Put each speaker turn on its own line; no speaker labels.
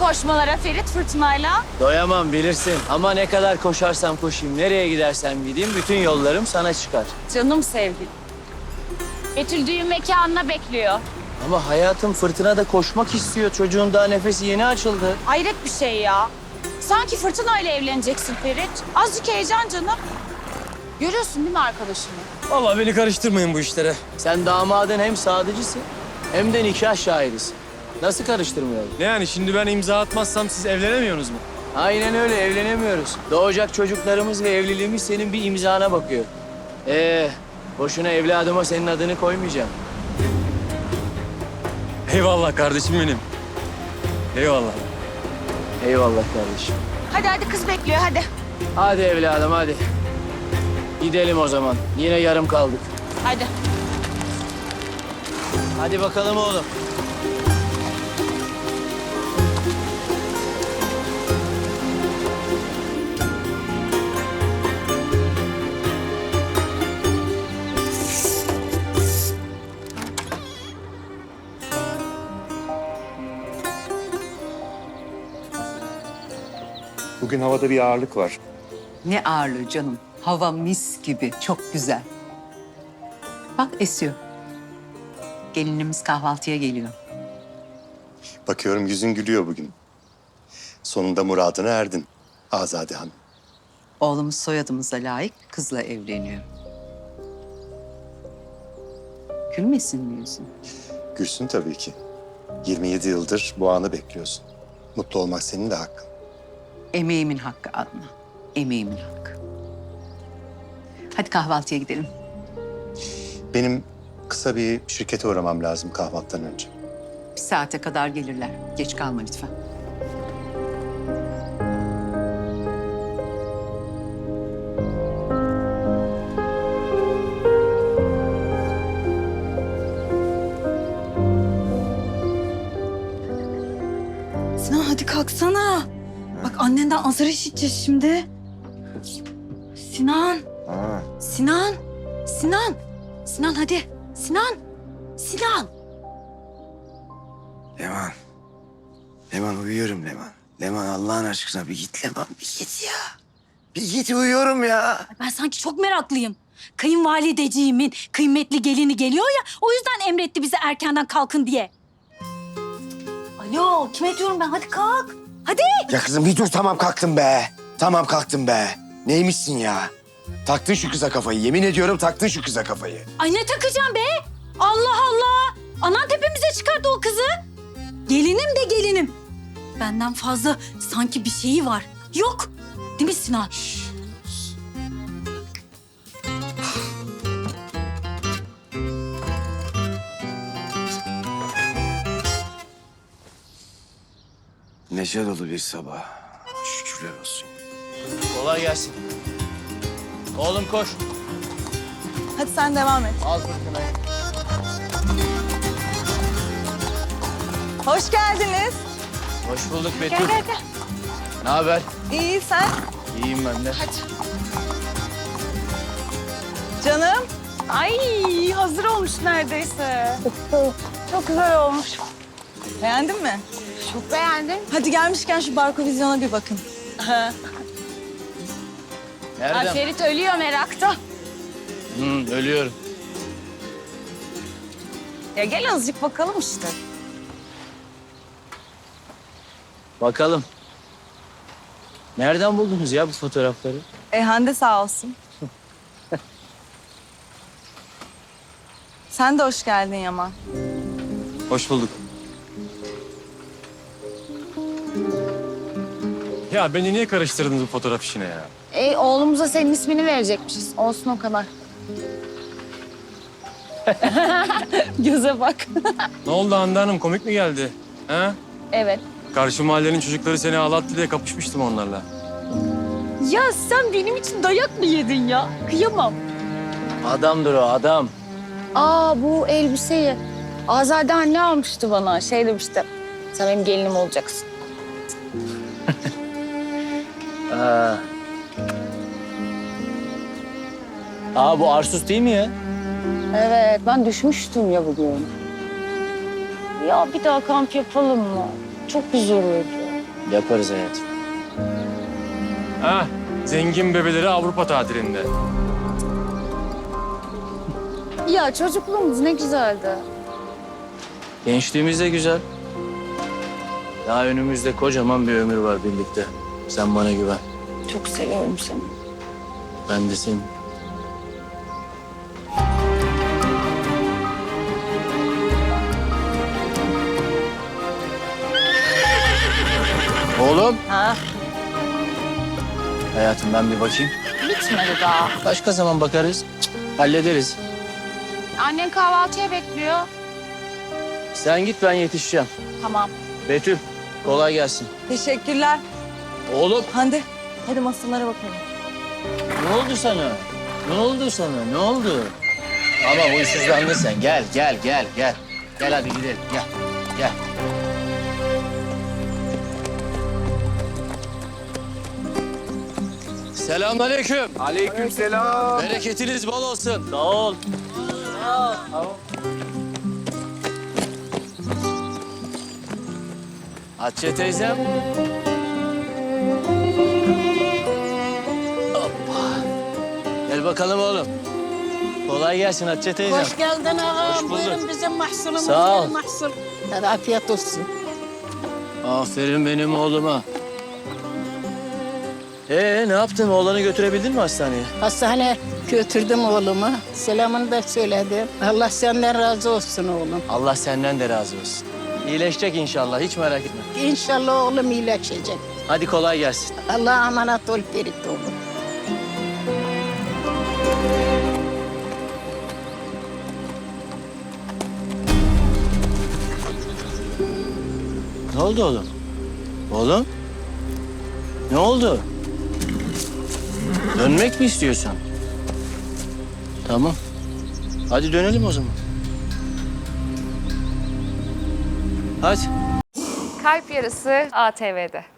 koşmalara Ferit fırtınayla?
Doyamam bilirsin ama ne kadar koşarsam koşayım, nereye gidersem gideyim bütün yollarım sana çıkar.
Canım sevgilim. Betül düğün mekanına bekliyor.
Ama hayatım fırtınada koşmak istiyor. Çocuğun daha nefesi yeni açıldı.
Hayret bir şey ya. Sanki fırtınayla evleneceksin Ferit. Azıcık heyecan canım. Görüyorsun değil mi arkadaşını?
Vallahi beni karıştırmayın bu işlere.
Sen damadın hem sadıcısın hem de nikah şahidisin. Nasıl karıştırmayalım?
Ne yani şimdi ben imza atmazsam siz evlenemiyorsunuz mu?
Aynen öyle evlenemiyoruz. Doğacak çocuklarımız ve evliliğimiz senin bir imzana bakıyor. Boşuna evladıma senin adını koymayacağım.
Eyvallah kardeşim benim. Eyvallah.
Eyvallah kardeşim.
Hadi hadi kız bekliyor hadi.
Hadi evladım hadi. Gidelim o zaman. Yine yarım kaldık.
Hadi.
Hadi bakalım oğlum.
Bugün havada bir ağırlık var.
Ne ağırlığı canım. Hava mis gibi, çok güzel. Bak esiyor. Gelinimiz kahvaltıya geliyor.
Bakıyorum yüzün gülüyor bugün. Sonunda muradına erdin Azade Hanım.
Oğlumuz soyadımıza layık kızla evleniyor. Gülmesin mi yüzün?
Gülsün tabii ki. 27 yıldır bu anı bekliyorsun. Mutlu olmak senin de hakkın.
Emeğimin hakkı Adnan. Emeğimin hakkı. Hadi kahvaltıya gidelim.
Benim kısa bir şirkete uğramam lazım kahvaltıdan önce.
Bir saate kadar gelirler. Geç kalma lütfen.
Sinan hadi kalksana. Bak annenden azar işiteceğiz şimdi. Sinan. Sinan. Sinan. Sinan hadi. Sinan. Sinan.
Leman. Leman uyuyorum Leman. Leman Allah'ın aşkına bir git Leman bir git ya. Bir git uyuyorum ya.
Ben sanki çok meraklıyım. Kayınvalideciğimin kıymetli gelini geliyor ya. O yüzden emretti bize erkenden kalkın diye. Alo kime diyorum ben hadi kalk. Hadi.
Ya kızım bir dur tamam kalktım be. Tamam kalktım be. Neymişsin ya? Taktın şu kıza kafayı. Yemin ediyorum taktın şu kıza kafayı.
Ay ne takacağım be? Allah Allah. Anan tepemize çıkardı o kızı. Gelinim de gelinim. Benden fazla sanki bir şeyi var. Yok. Değil mi Sinan?
Neşe dolu bir sabah. Şükürler olsun.
Kolay gelsin. Oğlum koş.
Hadi sen devam et.
Al fırtınayı.
Hoş geldiniz.
Hoş bulduk Betül.
Gel gel gel.
Ne haber?
İyi sen?
İyiyim ben de.
Canım. Ay hazır olmuş neredeyse.
Çok güzel olmuş.
Beğendin mi?
Çok beğendim.
Hadi gelmişken şu Barkovizyon'a bir bakın.
Ay
Nereden?
Ferit ölüyor merakta.
Ölüyorum.
Ya gel azıcık bakalım işte.
Bakalım. Nereden buldunuz ya bu fotoğrafları?
Hande sağ olsun. Sen de hoş geldin Yaman.
Hoş bulduk. Ya beni niye karıştırdınız bu fotoğraf işine ya?
Oğlumuza senin ismini verecekmişiz. Olsun o kadar.
Göze bak.
Ne oldu Hande Hanım komik mi geldi? Ha?
Evet.
Karşı mahallenin çocukları seni ağlattı diye kapışmıştım onlarla.
Ya sen benim için dayak mı yedin ya? Kıyamam.
Adamdır o adam.
Aa bu elbiseyi Azade anne almıştı bana. Şey demişti. Sen benim gelinim olacaksın.
Bu Arsus değil mi ya?
Evet ben düşmüştüm ya bugün. Ya bir daha kamp yapalım mı? Çok güzel oldu.
Yaparız hayatım.
Ha, zengin bebeleri Avrupa tatilinde.
Ya çocukluğumuz ne güzeldi.
Gençliğimiz de güzel. Daha önümüzde kocaman bir ömür var birlikte. Sen bana güven.
Çok seviyorum seni.
Ben de seni. Oğlum.
Ha?
Hayatım ben bir bakayım.
Bitmedi daha.
Başka zaman bakarız. Hallederiz.
Annen kahvaltıya bekliyor.
Sen git ben yetişeceğim.
Tamam.
Betül kolay gelsin.
Teşekkürler.
Oğlum
Hande hadi masalara bakalım.
ne oldu sana? Ne oldu sana? Ne oldu? Ama huysuzlandın sen. Gel. Gel hadi gidelim. Gel. Selamünaleyküm.
Aleykümselam.
Bereketiniz bol olsun. Sağ ol. Hatice teyzem. Hoppa. Gel bakalım oğlum. Kolay gelsin Hatice teyzem.
Hoş geldin ağam.
Hoş bulduk.
Buyurun bizim mahsulumuz.
Sağ ol.
yeni Mahsul. Hadi afiyet olsun.
Aferin benim oğluma. Ne yaptın? Oğlanı götürebildin mi hastaneye?
Hastaneye götürdüm oğlumu. Selamını da söyledim. Allah senden razı olsun oğlum.
Allah senden de razı olsun. İyileşecek inşallah. Hiç merak etme.
İnşallah oğlum iyileşecek.
Hadi kolay gelsin.
Allah'a emanet ol Ferit oğlum.
Ne oldu oğlum? Oğlum? Ne oldu? Dönmek mi istiyorsun? Tamam. Hadi dönelim o zaman. Hadi.
Kalp Yarısı ATV'de.